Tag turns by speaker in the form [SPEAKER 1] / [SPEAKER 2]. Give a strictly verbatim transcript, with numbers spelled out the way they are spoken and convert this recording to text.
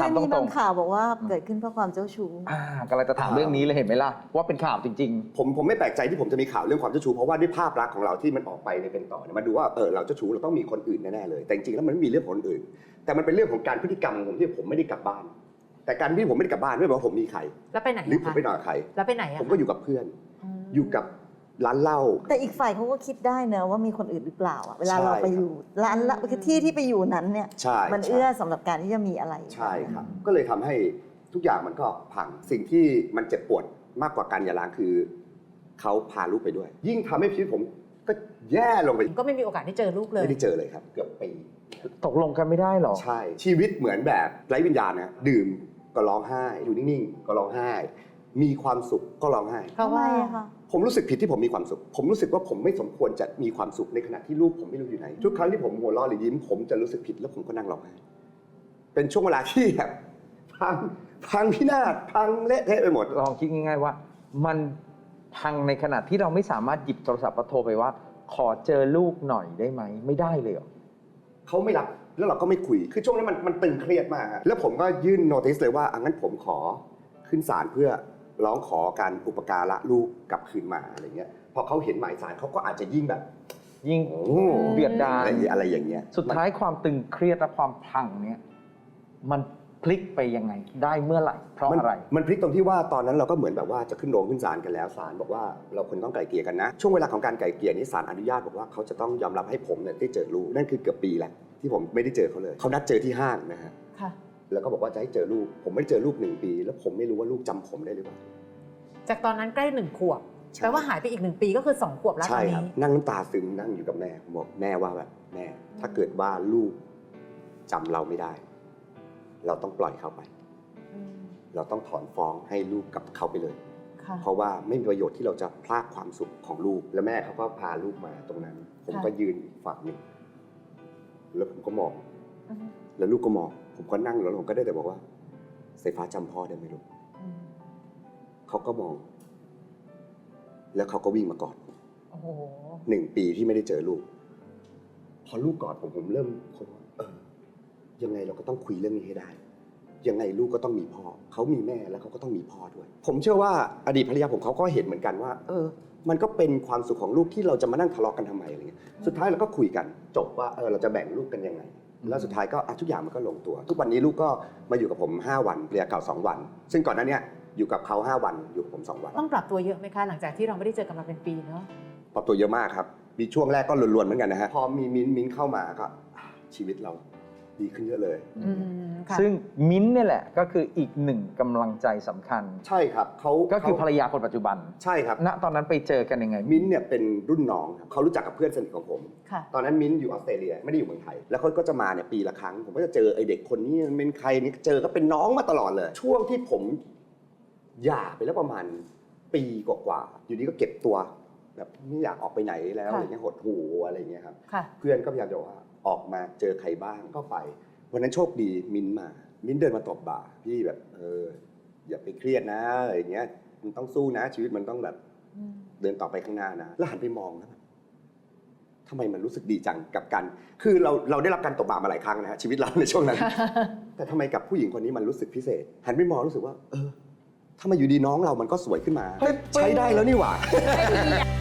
[SPEAKER 1] ถามตรงๆ
[SPEAKER 2] มีบางข่าวบอกว่าเกิดขึ้นเพราะความเจ้าชู้
[SPEAKER 1] อ่ากำลังจะถามเรื่องนี้เลยเห็นไหมล่ะว่าเป็นข่าวจริง
[SPEAKER 3] ผมผมไม่แปลกใจที่ผมจะมีข่าวเรื่องความเจ้าชู้เพราะว่าด้วยภาพลักษณ์ของเราที่มันออกไปในเป็นต่อเนี่ยมาดูว่าเออเราเจ้าชู้เราต้องมีคนอื่นแน่ๆเลยแต่จริงๆแล้วมันไม่มีเรื่องคนอื่น แต่มันเป็นเรื่องของการพฤติกรรมของผมที่ผมไม่ได้กลับบ้าน แต่การที่ผมไม่ได้กลับบ้านไม่ได้แปลว่าผมมีใคร
[SPEAKER 4] แล้วไปไหน
[SPEAKER 3] หรือผมไปนอนกับใคร
[SPEAKER 4] แล้วไปไหนอะ
[SPEAKER 3] ผมก็อยู่กับเพื่อนอยู่กับร้านเหล้า
[SPEAKER 2] แต่อีกฝ่ายเขาก็คิดได้นะว่ามีคนอื่นหรือเปล่าอะเวลา
[SPEAKER 3] ใช่
[SPEAKER 2] เราไปอยู่ร้านละคือที่ที่ไปอยู่นั้นเนี่ย
[SPEAKER 3] ใช่
[SPEAKER 2] มัน
[SPEAKER 3] ใช่
[SPEAKER 2] เอื้อสำหรับการที่จะมีอะไร
[SPEAKER 3] ใช่ครับก็เลยทำให้ทุกอย่างมันก็พังสิ่งที่มันเจ็บปวดมากกว่าการหย่าร้างคือเขาพาลูกไปด้วย ยิ่งทำให้ชีวิตผมก็แย่ลงไป
[SPEAKER 4] ก็ไม่มีโอกาสได้เจอลูกเลย
[SPEAKER 3] ไม่ได้เจอเลยครับเกือบปี
[SPEAKER 1] ๆ ตกลงกันไม่ได้หรอ
[SPEAKER 3] ใช่ชีวิตเหมือนแบบไร้วิญญาณนะดื่มก็ร้องไห้อยู่นิ่งๆก็ร้องไห้ มีความสุขก็ร้องไห้
[SPEAKER 4] เพราะ
[SPEAKER 2] ทำไม
[SPEAKER 4] ว่า
[SPEAKER 2] อะคะ
[SPEAKER 3] ผมรู้สึกผิดที่ผมมีความสุข ผมรู้สึกว่าผมไม่สมควรจะมีความสุขในขณะที่ลูกผมไม่รู้อยู่ไหนทุกครั้งที่ผมหัวเราะหรือยิ้มผมจะรู้สึกผิดแล้วผมก็นั่งร้องไห้เป็นช่วงเวลาที่แบบพังพังพินาศพังเละเทะไปหมด
[SPEAKER 1] ลองคิดง่ายๆว่า มันพังในขณะที่เราไม่สามารถหยิบโทรศัพท์มาโทรไปว่า ขอเจอลูกหน่อยได้ไหมไม่ได้เลยเหรอ
[SPEAKER 3] เขาไม่รับแล้วเราก็ไม่คุย คือช่วงนั้นมันมันตึงเครียดมากฮะแล้วผมก็ยื่นโนติสเลยว่าอ่ะงั้นผมขอขึ้นศาลเพื่อร้องขอการอุปการะลูกกลับคืนมาอะไรเงี้ยพอเขาเห็นหมายศาลเขาก็อาจจะยิ่งแบบ
[SPEAKER 1] ยิ่ง
[SPEAKER 3] โอ้
[SPEAKER 1] เบียดดา
[SPEAKER 3] อะ
[SPEAKER 1] ล
[SPEAKER 3] ไรอะไรอย่างเงี้ย
[SPEAKER 1] สุดท้ายความตึงเครียดและความพังเนี้ยมันพลิกไปยังไงได้เมื่อไหร่เพราะ
[SPEAKER 3] มัน
[SPEAKER 1] อะไร
[SPEAKER 3] มันพลิกตรงที่ว่าตอนนั้นเราก็เหมือนแบบว่าจะขึ้นโรงขึ้นศาลกันแล้วศาลบอกว่าเราควรต้องไกล่เกลี่ยกันนะช่วงเวลาของการไกล่เกลี่ยนี้ศาลอนุญาตบอกว่าเขาจะต้องยอมรับให้ผมเนี่ยได้เจอลูกนั่นคือเกือบปีแล้วที่ผมไม่ได้เจอเขาเลยเขานัดเจอที่ห้างนะฮะ
[SPEAKER 4] ค่ะ
[SPEAKER 3] แล้วก็บอกว่าจะให้เจอลูกผมไม่ได้เจอลูกหนึ่งปี แล้วผมไม่รู้ว่าลูกจำผมได้หรือเปล่า
[SPEAKER 4] จากตอนนั้นใกล้หนึ่งขวบ
[SPEAKER 3] ใช่
[SPEAKER 4] แปลว่าหายไปอีกหนึ่งปีก็คือสองขวบแล้วต
[SPEAKER 3] ใช่
[SPEAKER 4] อน
[SPEAKER 3] ครับ
[SPEAKER 4] นี้
[SPEAKER 3] นั่งน้ำตาซึมนั่งอยู่กับแม่ผมบอกแม่ว่าแบบแม่ ถ้าเกิดว่าลูกจำเราไม่ได้ เราต้องปล่อยเขาไป
[SPEAKER 4] อืม
[SPEAKER 3] เราต้องถอนฟ้องให้ลูกกับเขาไปเลย
[SPEAKER 4] ค่ะ
[SPEAKER 3] เพราะว่าไม่มีประโยชน์ที่เราจะพลากความสุขของลูก แล้วแม่เขาก็พาลูกมาตรงนั้น ผมก็ยืนอีกฝั่งหนึ่งแล้วผมก็มอง
[SPEAKER 4] อืม
[SPEAKER 3] แล้วลูกก็มอง ผมก็นั่งแล้วผมก็ได้แต่บอกว่าสายฟ้าจำพ่อได้ไหมลูก
[SPEAKER 4] อืม
[SPEAKER 3] เขาก็มอง แล้วเขาก็วิ่งมากอดผม
[SPEAKER 4] โอ้โห
[SPEAKER 3] หนึ่งปีที่ไม่ได้เจอลูก พอลูกกอดผมผมเริ่มคนว่าเออยังไงเราก็ต้องคุยเรื่องนี้ให้ได้ ยังไงลูกก็ต้องมีพ่อเขามีแม่แล้วเขาก็ต้องมีพ่อด้วย ผมเชื่อว่าอดีตภรรยาผมเขาก็เห็นเหมือนกันว่า เออ มันก็เป็นความสุขของลูกที่เราจะมานั่งทะเลาะกันทำไมอะไรเงี้ยสุดท้ายเราก็คุยกันจบว่าเออเราจะแบ่งลูกกันยังไง แล้วสุดท้ายก็อ่ะทุกอย่างมันก็ลงตัว ทุกวันนี้ลูกก็มาอยู่กับผมห้าวันภรรยาเก่าสองวัน ซึ่งก่อนหน้านี้อยู่กับเขาห้าวันอยู่กับผมสองวัน
[SPEAKER 4] ต้องปรับตัวเยอะไหมคะหลังจากที่เราไม่ได้เจอกันมาเป็นปีเนาะ
[SPEAKER 3] ปรับตัวเยอะมากครับ มีช่วงแรกก็ลวนๆเหมือนกันนะฮะ พอมีมิ้นท์มิ้นท์เข้ามาก็อ่ะชีวิตเราดีขึ้นเยอะเลย
[SPEAKER 4] อืมค่ะ
[SPEAKER 1] ซึ่งมิ้นท์เนี่ยแหละก็คืออีกหนึ่งกำลังใจสำคัญ
[SPEAKER 3] ใช่ครับเขา
[SPEAKER 1] ก็คือภรร
[SPEAKER 3] เขา
[SPEAKER 1] ยาคนปัจจุบัน
[SPEAKER 3] ใช่ครับ
[SPEAKER 1] ณตอนนั้นไปเจอกันยังไง
[SPEAKER 3] มิ้นท์เนี่ยเป็นรุ่นน้องครับเขารู้จักกับเพื่อนสนิทของผม
[SPEAKER 4] ค่ะ
[SPEAKER 3] ตอนนั้นมิ้นท์อยู่ออสเตรเลียไม่ได้อยู่เมืองไทย แล้วเขาก็จะมาเนี่ยปีละครั้ง ผมก็จะเจอไอเด็กคนนี้มันเป็นใครนี่เจอก็เป็นน้องมาตลอดเลย ช่วงที่ผมหย่าไปแล้วประมาณปีกว่าๆอยู่ดีก็เก็บตัว แบบไม่อยากออกไปไหนแล้ว
[SPEAKER 4] ค่ะ
[SPEAKER 3] อะไรเงี้ยหดหูอะไรเงี้ยครับ
[SPEAKER 4] ค่ะ
[SPEAKER 3] เพื่อนก็พยายามจะบอกว่าออกมาเจอใครบ้างก็ไป วันนั้นโชคดีมิ้นท์มา มิ้นท์เดินมาตบบ่าพี่แบบเอออย่าไปเครียดนะอะไรเงี้ยมันต้องสู้นะ ชีวิตมันต้องแบบ
[SPEAKER 4] อืม
[SPEAKER 3] เดินต่อไปข้างหน้านะ แล้วหันไปมองแล้วแบบทำไมมันรู้สึกดีจังกับการคือเราเราได้รับการตบบ่ามาหลายครั้งนะฮะชีวิตเราในช่วงนั้น แต่ทำไมกับผู้หญิงคนนี้มันรู้สึกพิเศษ หันไปมองรู้สึกว่า เออทำไมอยู่ดีน้องเรามันก็สวยขึ้นมาเฮ้ยใช้ได้แล้วนี่หว่า
[SPEAKER 4] ไม่ดีอะ